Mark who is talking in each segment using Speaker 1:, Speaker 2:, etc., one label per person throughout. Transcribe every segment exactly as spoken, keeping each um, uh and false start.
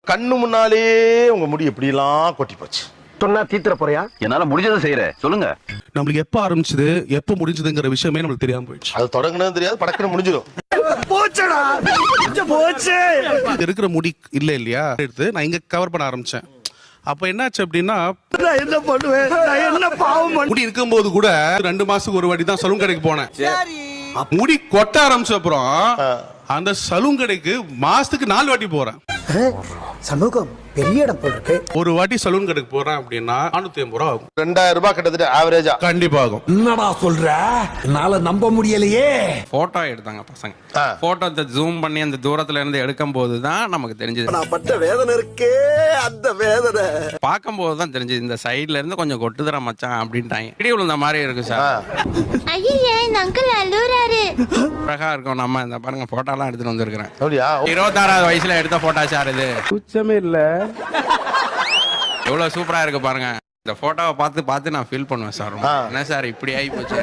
Speaker 1: கண்ணு முன்னாலே உங்க முடி எப்படி எல்லாம் கொட்டி போச்சு.
Speaker 2: சொன்னா தீத்துற போறியா?
Speaker 3: என்னால முடிஞ்சதை செய்யறேன், சொல்லுங்க.
Speaker 4: நம்மளுக்கு எப்ப ஆரம்பிச்சது எப்ப முடிஞ்சதுங்கிற விஷயமே நம்மளுக்கு தெரியாம போயிடுச்சு.
Speaker 1: அது தொடங்குனது தெரியாது, படக்குன்னு முடிஞ்சிடும்.
Speaker 2: போச்சடா போச்சு.
Speaker 4: இருக்கிற முடி இல்ல இல்லையா எடுத்து நான் இங்க கவர் பண்ண ஆரம்பிச்சேன். அப்ப என்னாச்சு அப்படின்னா
Speaker 2: நான் என்ன பண்ணுவேன்? நான் என்ன பாவம் பண்ண?
Speaker 4: முடி இருக்கும்போது கூட ரெண்டு மாசத்துக்கு ஒரு வாட்டி தான் சலூன் கடைக்கு போனேன். முடி கொட்ட ஆரம்பிச்ச அப்புறம் அந்த சலூன் கடைக்கு மாசத்துக்கு நாலு வாட்டி போறேன்.
Speaker 2: சமூகம் பெரிய இடம் போல இருக்கு.
Speaker 4: ஒரு வாட்டி சலூன் கடைக்கு போறேன் அப்படின்னா நானூத்தி ஐம்பது ரூபா ஆகும்.
Speaker 1: ரெண்டாயிரம் ரூபாய் கிட்டத்தட்ட ஆவரேஜா
Speaker 4: கண்டிப்பா ஆகும்.
Speaker 5: என்னடா சொல்ற? என்னால நம்ப முடியலையே.
Speaker 6: போட்டோ எடுத்தாங்க பசங்க. போட்டோ ஜூம் பண்ணி அந்த தூரத்துல இருந்து எடுக்கும் போதுதான் நமக்கு தெரிஞ்சது.
Speaker 2: நான் பட்ட வேதனை இருக்கே, அந்த வேதனை
Speaker 6: பார்க்கும் போதுதான் தெரிஞ்சது இந்த சைடுல இருந்து கொஞ்சம் கொட்டுதர மச்சான் அப்படின்ட்டாங்க. இடி விழுந்த மாதிரி இருக்கு சார்.
Speaker 7: ஐயே இந்த அங்கிள் அழுறாரு.
Speaker 6: அழகா இருக்கும். நம்ம இந்த பாருங்க போட்டோ எல்லாம் எடுத்துட்டு வந்திருக்கிறேன்.
Speaker 1: அப்படியா?
Speaker 6: இருபத்தாறாவது வயசுல எடுத்த போட்டோ சார் இது.
Speaker 2: குச்சமே இல்ல.
Speaker 6: எவ்வளவு சூப்பரா இருக்கு பாருங்க. இந்த போட்டோவை பார்த்து பார்த்து நான் ஃபீல் பண்ணுவேன் சார். என்ன சார் இப்படி ஆகி போச்சு.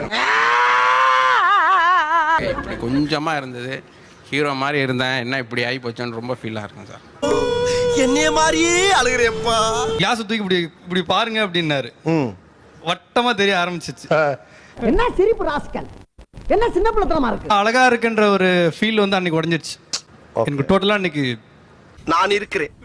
Speaker 6: இப்படி கொஞ்சமா இருந்தது, ஹீரோ மாதிரி இருந்தேன், என்ன இப்படி ஆகி போச்சுன்னு ரொம்ப ஃபீலா இருக்கும் சார்.
Speaker 2: என்னைய மாதிரியே அழுகிறேப்பா.
Speaker 8: கிளாஸ் தூக்கி இப்படி இப்படி பாருங்க அப்படின்னாரு. வட்டமா தெரிய ஆரம்பிச்சிச்சு.
Speaker 9: என்ன சிரிப்பு ராஸ்கல், என்ன சின்ன பிள்ளைத்தனமா இருக்கு.
Speaker 8: அழகா இருக்குன்ற ஒரு ஃபீல் வந்து அன்னைக்கு உடஞ்சிருச்சு எனக்கு டோட்டலா. அன்னைக்கு
Speaker 2: நான் இருக்கிறேன்.